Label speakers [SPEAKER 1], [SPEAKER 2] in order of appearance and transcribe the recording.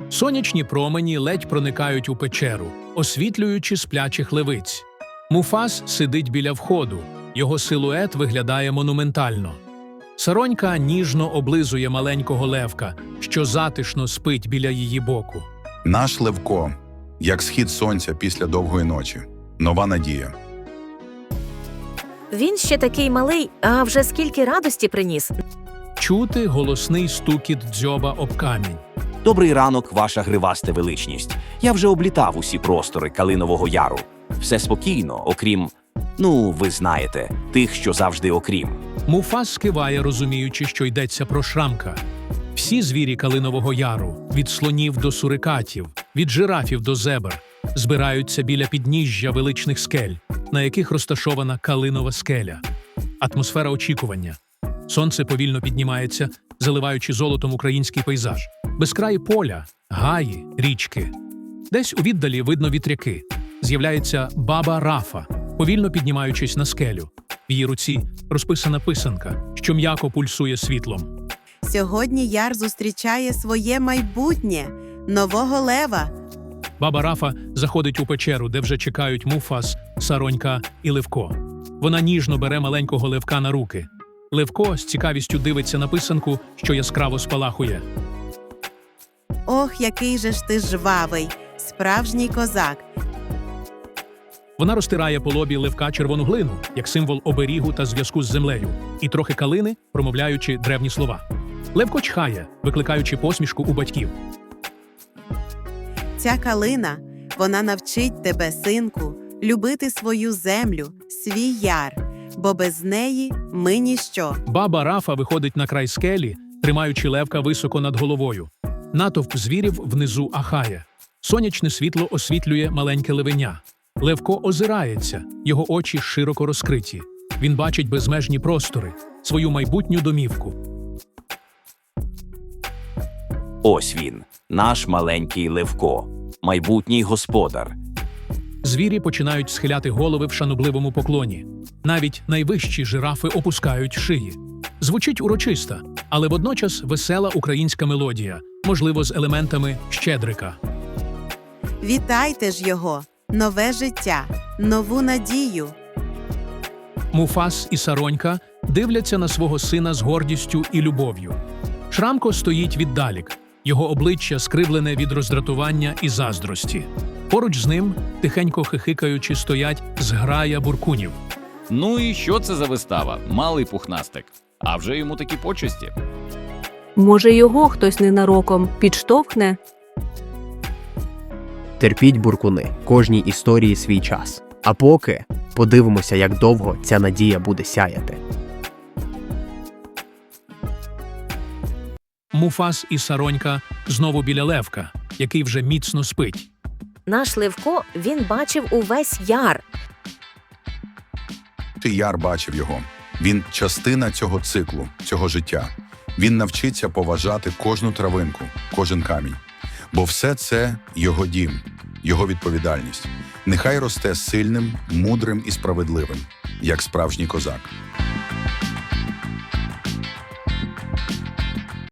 [SPEAKER 1] Сонячні промені ледь проникають у печеру, освітлюючи сплячих левиць. Муфас сидить біля входу, його силует виглядає монументально. Саронька ніжно облизує маленького левка, що затишно спить біля її боку.
[SPEAKER 2] Наш Левко, як схід сонця після довгої ночі. Нова надія.
[SPEAKER 3] Він ще такий малий, а вже скільки радості приніс.
[SPEAKER 1] Чути голосний стукіт дзьоба об камінь.
[SPEAKER 4] Добрий ранок, ваша гривасте величність. Я вже облітав усі простори Калинового Яру. Все спокійно, окрім, ви знаєте, тих, що завжди окрім.
[SPEAKER 1] Муфас скиває, розуміючи, що йдеться про Шрамка. Всі звірі Калинового Яру, від слонів до сурикатів, від жирафів до зебр, збираються біля підніжжя величних скель, на яких розташована Калинова скеля. Атмосфера очікування. Сонце повільно піднімається, заливаючи золотом український пейзаж. Безкраї поля, гаї, річки. Десь у віддалі видно вітряки. З'являється баба Рафа, повільно піднімаючись на скелю. В її руці розписана писанка, що м'яко пульсує світлом.
[SPEAKER 5] Сьогодні Яр зустрічає своє майбутнє – нового лева.
[SPEAKER 1] Баба Рафа заходить у печеру, де вже чекають Муфас, Саронька і Левко. Вона ніжно бере маленького левка на руки. Левко з цікавістю дивиться на писанку, що яскраво спалахує.
[SPEAKER 5] Ох, який же ж ти жвавий, справжній козак.
[SPEAKER 1] Вона розтирає по лобі левка червону глину, як символ оберігу та зв'язку з землею, і трохи калини, промовляючи древні слова. Левко чхає, викликаючи посмішку у батьків.
[SPEAKER 5] Ця калина, вона навчить тебе, синку, любити свою землю, свій яр, бо без неї ми ніщо.
[SPEAKER 1] Баба Рафа виходить на край скелі, тримаючи левка високо над головою. Натовп звірів внизу ахає. Сонячне світло освітлює маленьке левеня. Левко озирається, його очі широко розкриті. Він бачить безмежні простори, свою майбутню домівку.
[SPEAKER 4] Ось він, наш маленький Левко, майбутній господар.
[SPEAKER 1] Звірі починають схиляти голови в шанобливому поклоні. Навіть найвищі жирафи опускають шиї. Звучить урочисто, але водночас весела українська мелодія, можливо, з елементами щедрика.
[SPEAKER 5] Вітайте ж його, нове життя, нову надію.
[SPEAKER 1] Муфас і Саронька дивляться на свого сина з гордістю і любов'ю. Шрамко стоїть віддалік, його обличчя скривлене від роздратування і заздрості. Поруч з ним, тихенько хихикаючи, стоять зграя буркунів.
[SPEAKER 6] Ну і що це за вистава? Малий пухнастик. А вже йому такі почесті.
[SPEAKER 7] Може, його хтось ненароком підштовхне?
[SPEAKER 8] Терпіть, буркуни, кожній історії свій час. А поки подивимося, як довго ця надія буде сяяти.
[SPEAKER 1] Муфас і Саронька знову біля левка, який вже міцно спить.
[SPEAKER 3] Наш Левко, він бачив увесь яр.
[SPEAKER 2] Яр бачив його. Він частина цього циклу, цього життя. Він навчиться поважати кожну травинку, кожен камінь. Бо все це його дім, його відповідальність. Нехай росте сильним, мудрим і справедливим, як справжній козак.